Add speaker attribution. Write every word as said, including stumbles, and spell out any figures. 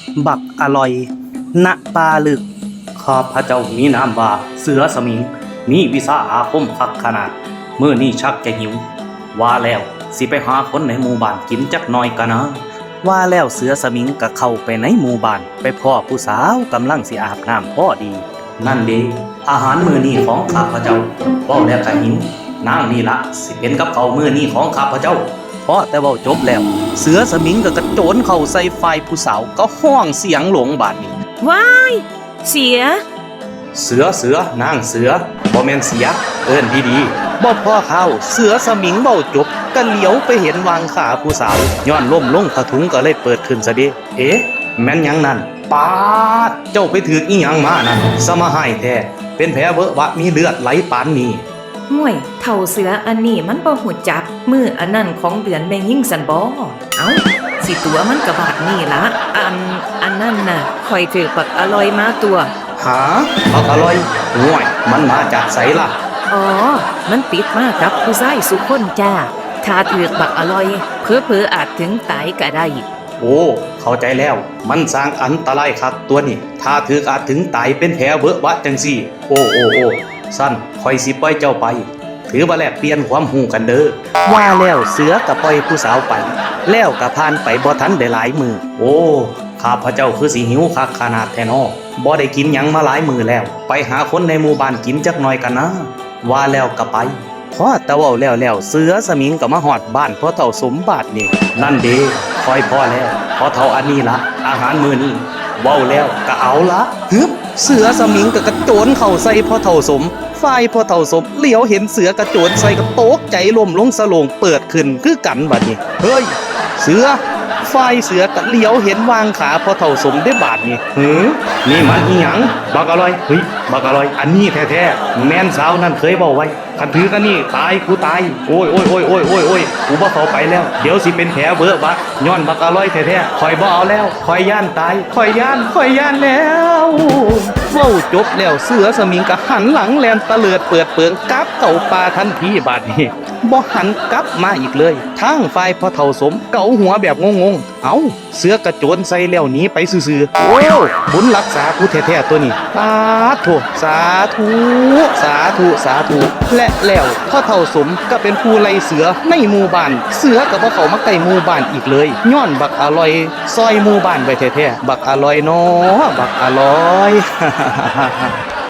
Speaker 1: บักอร่อยณปาลึกข้าพระเจ้ามีนามว่าเสือสมิงมีวิชาอาคมคักขนาดเมื่อนี่ชักจะหิวว่าแล้วสิไปหาคนในหมู่บ้านกินจักหน่อยกันนะว่าแล้วเสือสมิงก็เข้าไปในหมู่บ้านไปพ่อผู้สาวกำลังสิอาบน้ำพอดีนั่นเด้อาหารมื้อนี้ของข้าพระเจ้าเว้าแล้วก็หิวนางนี่ละสิเป็นกับเขาวมื้อนี้ของข้าพระเจ้าเพราะแต่เว้าจบแล้วเสือสมิงก็กระโจนเข้าใส่ฝ่ายผู้สาวก็ห้องเสียงหลงบาดนี้
Speaker 2: ว้ายเสีย
Speaker 1: เสือเสือนางเสือบ่แม่นเสียเอิ้นดีๆบ่พอเข้าเสือสมิงเว้าจบก็เหลียวไปเห็นวางขาผู้สาวย้อนล้มลงผ้าถุงก็เลยเปิดขึ้นซะเด้เอ๊ะแม่นหยังนั่นปาดเจ้าไปถืออีหยังมานั่นสมาหายแท้เป็นแผลเวอะวะมีเลือดไหลปานนี้
Speaker 2: ห่วยเท่าเสืออันนี้มันบ่หูจักมืออันนั้นของเดือนแม่ยิ่งสันบ่เอ้าสิตัวมันกระบาดนี่ละอันอันนั้นน่ะข่อยถือปักอร่อยมาตัว
Speaker 1: หาบักอร่อยห่วยมันมาจากไสล่ะ
Speaker 2: อ๋อมันติดมากับผู้ชายสุคนจ้าถ้าถือบักอร่อยเผลอๆอาจถึงตายก็ได้
Speaker 1: โอ้เข้าใจแล้วมันสร้างอันตรายครับตัวนี้ถ้าถืออาจถึงตายเป็นแผลเวอะวะจังซี่โอ้โอ้โอ้สั้นคอยสิปล่อยเจ้าไปถือว่าแลกเปลี่ยนความหูกันเด้อว่าแล้วเสือกับปล่อยผู้สาวไปแล้วกับพานไปบ่ทันได้หลายมือโอ้ข้าพระเจ้าคือสิหิวคักขนาดแท้นอบ่ได้กินหยังมาหลายมือแล้วไปหาคนในหมู่บ้านกินจักหน่อยกันนะว่าแล้วก็ไปพอแต่เว้าแล้วแล้วเสือสมิงก็มาฮอดบ้านพ่อเฒ่าสมบัตินี่นั่นเด้คอยพ่อแล้วพ่อเฒ่าอันนี้ละอาหารมื้อนี้เว้าแล้วก็เอาละฮึบเสือสมิงก็กระโจนเข้าใส่พ่อเฒ่าสมฝ่ายพ่อเฒ่าสมเหลียวเห็นเสือกระโจนใส่ก็ตกใจล้มลงสโลงเปิดขึ้นคือกันบัดนี้เฮ้ยเสือฝ่ายเสือก็เหลียวเห็นวางขาพ่อเฒ่าสมได้บาดนี้หือนี่มันอีหยังบักอร่อยเฮ้ยบักอร่อยอันนี้แท้ๆแม่นสาวนั่นเคยเว้าไว้คันถือกันนี่ตายกูตายโอ้ยโอ้ยโอ้ยโอ้ยโอ้ยโอ้ยกูบ่เข้าไปแล้วเดี๋ยวสิเป็นแผลเบ้อบักย้อนบักอร่อยแท้ๆคอยบ่เอาแล้วคอยย่านตายคอยย่านคอยย่านแล้วเว้าจบแล้วเสือสมิงก็หันหลังแลนตะเลิดเปิดเปิงกลับเข้าป่าทันทีบาดนี้บ่หันกลับมาอีกเลยทางฝ่ายพ่อเฒ่าสมเกาหัวแบบงงๆเอ้าเสือกระโจนใส่แล้วหนีไปซื่อๆโอ้บุญรักษากูแท้ๆตัวนี้สาธุสาธุสาธุสาธุและแล้วพ่อเฒ่าสมก็เป็นผู้ไล่เสือในหมู่บ้านเสือก็บ่เข้ามาใกล้หมู่บ้านอีกเลยย้อนบักอร่อยซอยหมู่บ้านไว้แท้ๆบักอร่อยเนาะบักอร่อย